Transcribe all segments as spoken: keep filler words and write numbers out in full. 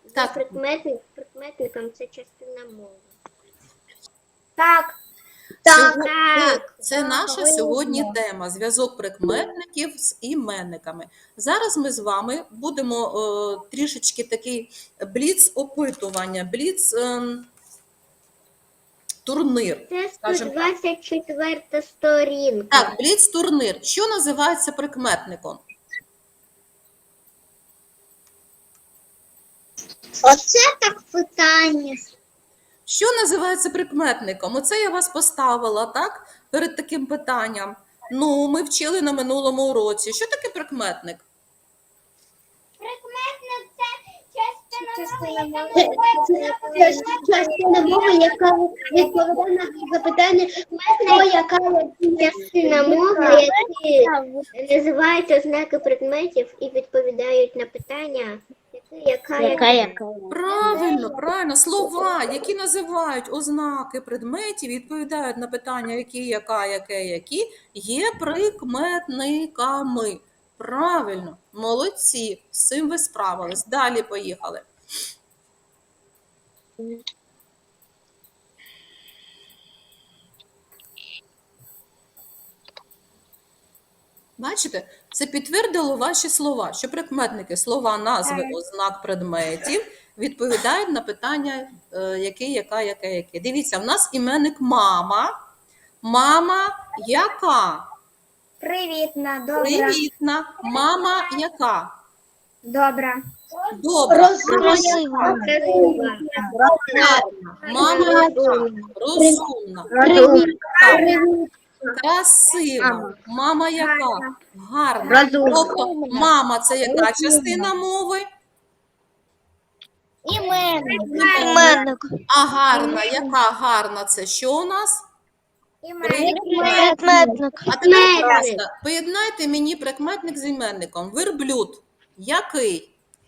Є Так. прикметник, прикметником це частина мови. Так. Так, Так. Це, це наша сьогодні тема – зв'язок прикметників з іменниками. Зараз ми з вами будемо е, трішечки такий бліц-опитування, бліц-турнир. Це скажімо так. сто двадцять четверта сторінка. Так, бліц-турнир. Що називається прикметником? Оце так питання. Що називається прикметником? Оце я вас поставила, так, перед таким питанням. Ну, ми вчили на минулому уроці. Що таке прикметник? Прикметник це частина мови, Це частина мови, яка відповідає на запитання, хто яка частина мови, які називають ознаки предметів і відповідають на питання, яка яка. Правильно, правильно. Слова, які називають ознаки предметів, відповідають на питання, які, яка, яке, які, є прикметниками. Правильно, молодці, з цим ви справились. Далі поїхали. Бачите, це підтвердило ваші слова, що прикметники, слова, назви, ознак предметів відповідають на питання, е, який, яка, яке, яке. Дивіться, в нас іменник мама. Мама яка? Привітна, добра. Привітна. Мама яка? Добра. Добра. Красива. Мама яка? Розумна. Красива. Мама яка? Гарна. Тобто мама – це яка частина мови? Іменник. А гарна, яка гарна – це що у нас? Прикметник. А тепер, будь ласка, поєднайте мені прикметник з іменником. Верблюд. Який?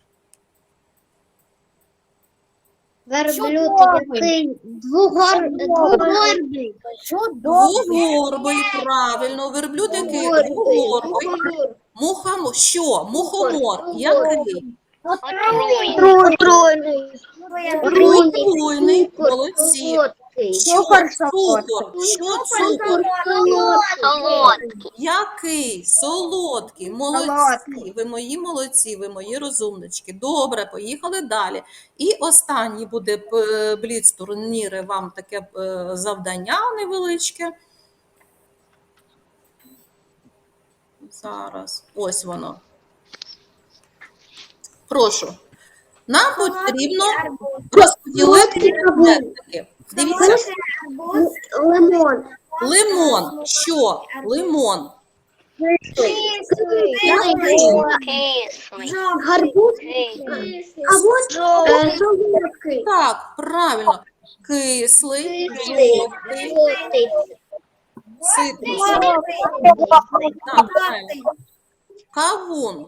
Верблюд який двугор, двугорбий. Двугорбий, правильно. Верблюд який? Двугорбий. Мухомор. Що? Мухомор. Який? Отруйний. Отруйний. Молодці. Що Цукор. цукор? Що цукор? Солодкий. Який? Солодкий. Молодці. Ви мої молодці, ви мої розумнички. Добре, поїхали далі. І останній буде е, бліц-турніри, вам таке е, завдання невеличке. Зараз. Ось воно. Прошу. Нам потрібно розподілити предметники. Дивіться. Лимон. Лимон. Що? Лимон. Гарбуз. Або солодкий. Так, правильно. Кислий, жовтий, цитрусовий. Так, правильно. Кавун.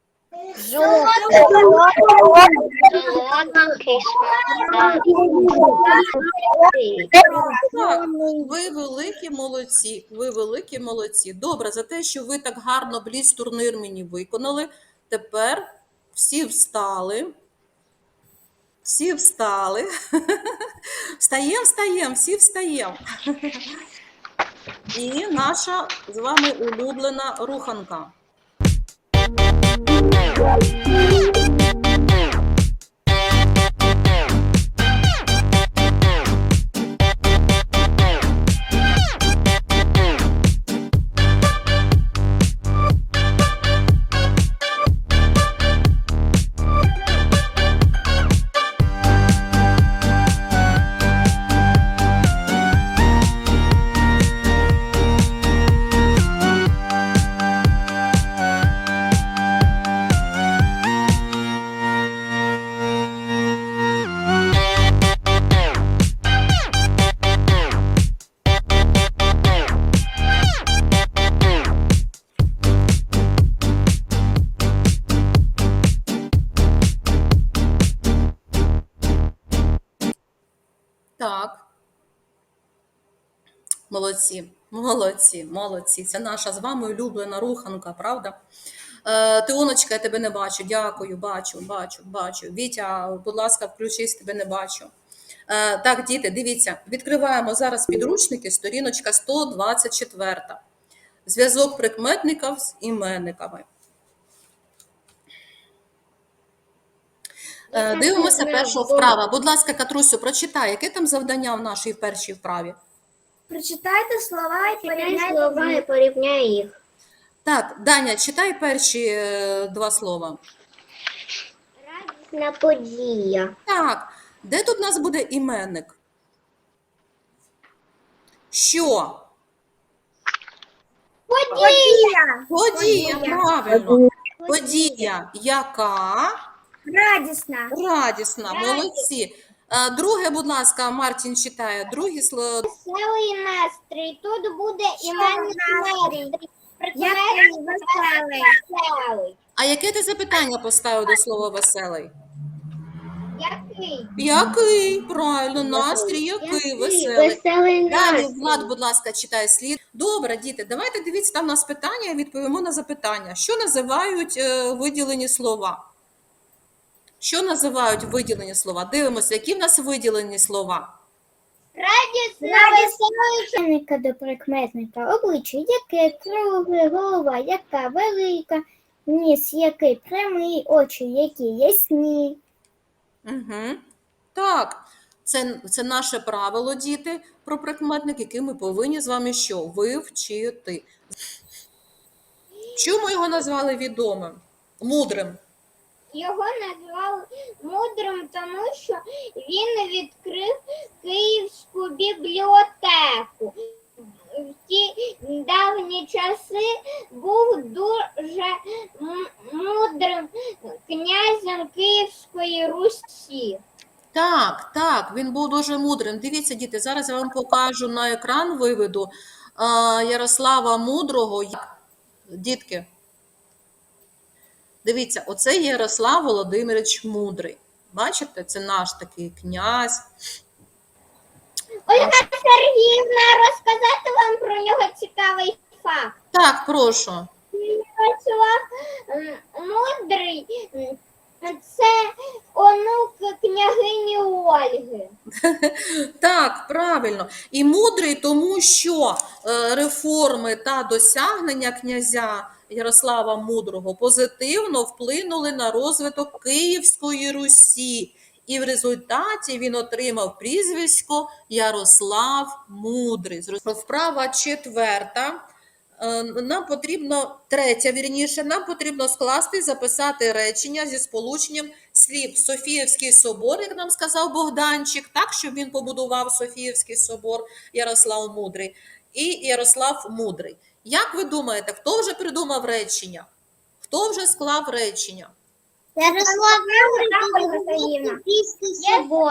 Так, ви великі молодці, ви великі молодці. Добре, за те, що ви так гарно бліц-турнир мені виконали. Тепер всі встали. Всі встали. Встаємо, встаємо, всі встаємо. І наша з вами улюблена руханка. Так. Молодці, молодці, молодці. Це наша з вами улюблена руханка, правда? Е, Тионочка, я тебе не бачу. Дякую, бачу, бачу, бачу. Вітя, будь ласка, включись, тебе не бачу. Е, Так, діти, дивіться, відкриваємо зараз підручники, сторіночка сто двадцять чотири. Зв'язок прикметників з іменниками. Е, Дивимося першу вправу. Будь ласка, Катрусю, прочитай, яке там завдання в нашій першій вправі? Прочитайте слова і Порівняй слова і порівняй їх. Так, Даня, читай перші е, два слова. Радісна подія. Так, де тут у нас буде іменник? Що? Подія. Подія, правильно. Подія, яка? Радісна. Радісна, молодці. Е, Друге, будь ласка, Мартін читає. Друге слово. Веселий настрій. Тут буде іменник настрій. Який веселий. Веселий. А яке ти запитання поставив до слова веселий? Який? Який? Правильно, настрій який, веселий. Веселий Далі, настрій. Влад, будь ласка, читай слід. Добре, діти, давайте дивіться, там у нас питання, відповімо на запитання. Що називають е, виділені слова? Що називають виділені слова? Дивимося, які в нас виділені слова? Радісна, веселий. Іменника до прикметника. Обличчя яке, кругле, голова яка, велика, ніс який, прямий, очі які, ясні. Угу. Так, це, це наше правило, діти, про прикметник, який ми повинні з вами що? Вивчити. Чому його назвали відомим? Мудрим? Його назвали мудрим, тому що він відкрив Київську бібліотеку. В ті давні часи був дуже м- мудрим князем Київської Русі. Так, так, він був дуже мудрим. Дивіться, діти, зараз я вам покажу на екран, виведу а, Ярослава Мудрого. Дітки, дивіться, оце Ярослав Володимирович Мудрий. Бачите, це наш такий князь. Ольга Сергіївна, розказати вам про нього цікавий факт. Так, прошу. Ярослав м, Мудрий м, це онук княгині Ольги. Так, правильно. І мудрий, тому що е, реформи та досягнення князя Ярослава Мудрого позитивно вплинули на розвиток Київської Русі. І в результаті він отримав прізвисько Ярослав Мудрий. Вправа четверта. Е, Нам потрібно, третя, вірніше, нам потрібно скласти і записати речення зі сполученням слів Софіївський собор, як нам сказав Богданчик, так, щоб він побудував Софіївський собор, Ярослав Мудрий, і Ярослав Мудрий. Як ви думаєте, хто вже придумав речення? Хто вже склав речення? Ярослав Мудрий Софійський собор.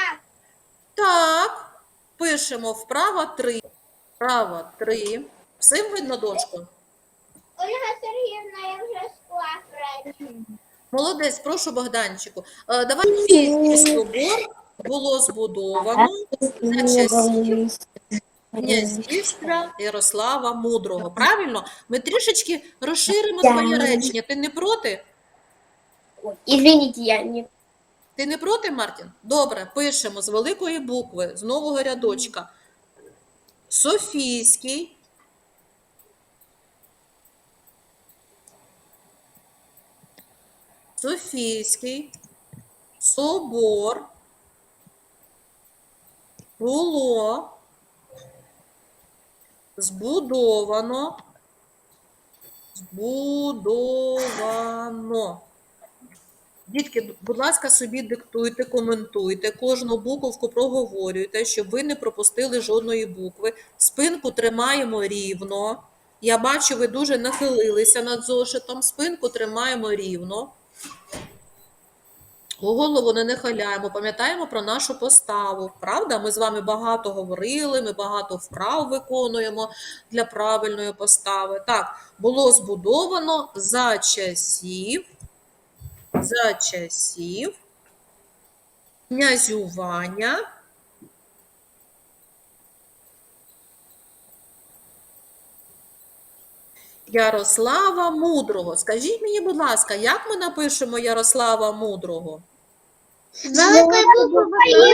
Так, пишемо вправо три. Вправо три. Всім видно дошку? Ольга Сергіївна, я вже склав речення. Молодець, прошу, Богданчику. Е, Давай Софійський собор було збудовано за часів князівства Ярослава Мудрого. Правильно? Ми трішечки розширимо твоє речення. Ти не проти? Извините, я не... Ти не проти, Мартін? Добре, пишемо з великої букви, з нового рядочка. Софійський Софійський собор було збудовано, збудовано. Дітки, будь ласка, собі диктуйте, коментуйте, кожну буковку проговорюйте, щоб ви не пропустили жодної букви. Спинку тримаємо рівно. Я бачу, ви дуже нахилилися над зошитом. Спинку тримаємо рівно. Голову не нахиляємо, пам'ятаємо про нашу поставу. Правда? Ми з вами багато говорили, ми багато вправ виконуємо для правильної постави. Так, було збудовано за часів, за часів князювання Ярослава Мудрого. Скажіть мені, будь ласка, як ми напишемо Ярослава Мудрого? Великої букви.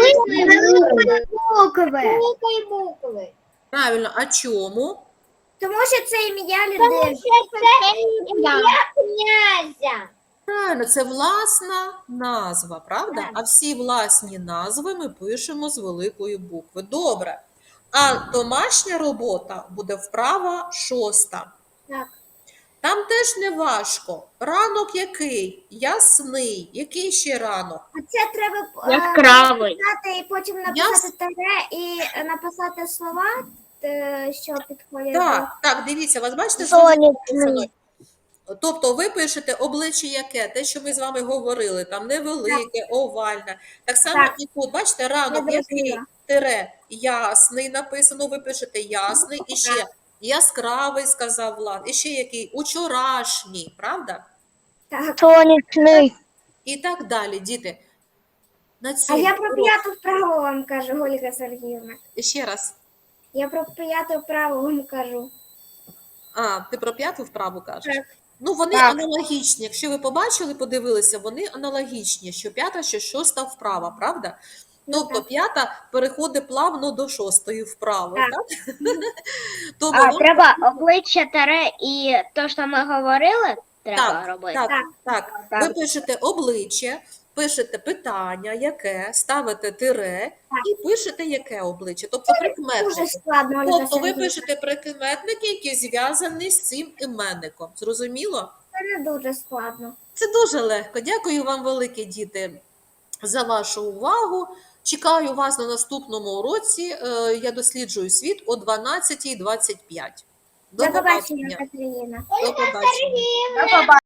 Великої букви. Правильно, а чому? Тому що це ім'я Тому людини. що це ім'я князя. Правильно, це власна назва, правда? Так. А всі власні назви ми пишемо з великої букви. Добре. А домашня робота буде вправа шоста. Так. Там теж не важко. Ранок який? Ясний. Який ще ранок? А це треба е, Яскравий. написати і потім написати тере і е, написати слова, е, що підходять. Так, так, дивіться, вас бачите, що Сонячний. написано? Тобто ви пишете обличчя яке, те, що ми з вами говорили, там невелике, овальне. Так само Так. і тут, бачите, ранок Я який, зрозуміла. тире, ясний написано, ви пишете ясний, і ще яскравий, сказав Влад, і ще який, учорашній, правда? Так. Сонячний. І так далі, діти. На А цьому я про уроці- п'яту вправу вам кажу, Ольга Сергіївна. Ще раз. Я про п'яту вправу вам кажу. А, ти про п'яту вправу кажеш? Так. Ну, вони Так. аналогічні. Якщо ви побачили, подивилися, вони аналогічні, що п'ята, що шоста вправа, правда? Ну, Тобто так. п'ята переходить плавно до шостої вправи, Так. так? Тому А, вам- треба обличчя таре і то, що ми говорили, треба так, робити. так, Так. так. Так. Ви пишете обличчя, пишете питання, яке, ставите тире і пишете яке обличчя, тобто Дуже прикметники. складно, Ольга Тобто ви Сергіївна. пишете прикметники, які зв'язані з цим іменником. Зрозуміло? Це не дуже складно. Це дуже легко. Дякую вам, великі діти, за вашу увагу. Чекаю вас на наступному уроці. Е, Я досліджую світ о дванадцятій двадцять п'ять. До До побачення, побачення. Катерина. До побачення. До побачення.